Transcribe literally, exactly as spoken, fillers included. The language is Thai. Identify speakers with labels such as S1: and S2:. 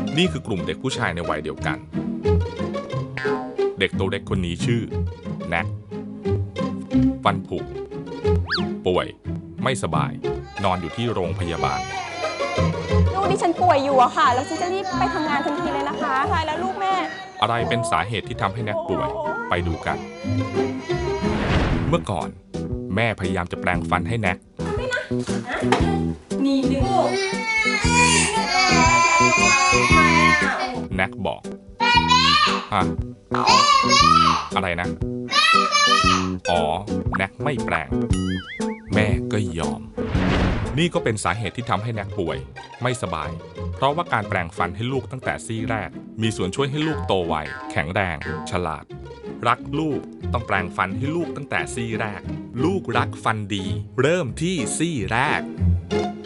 S1: นี่คือกลุ่มเด็กผู้ชายในวัยเดียวกันเด็กตัวเล็กคนนี้ชื่อแน็กฟันผุป่วยไม่สบายนอนอยู่ที่โรงพยาบาล
S2: ลูกที่ฉันป่วยอยู่อะค่ะแล้วฉันจะรีบไปทำงานทันทีเลยนะคะใช่แล้วลูกแม่
S1: อะไรเป็นสาเหตุที่ทำให้แน็กป่วยไปดูกันเมื่อก่อนแม่พยายามจะแปรงฟันให้แน็ก
S2: นี่ดึง
S1: แน็กบอกฮะอะไรนะอ๋อแน็กไม่แปรงแม่ก็ยอมนี่ก็เป็นสาเหตุที่ทำให้แน็กป่วยไม่สบายเพราะว่าการแปรงฟันให้ลูกตั้งแต่ซี่แรกมีส่วนช่วยให้ลูกโตไวแข็งแรงฉลาดรักลูกต้องแปรงฟันให้ลูกตั้งแต่ซี่แรกลูกรักฟันดีเริ่มที่ซี่แรก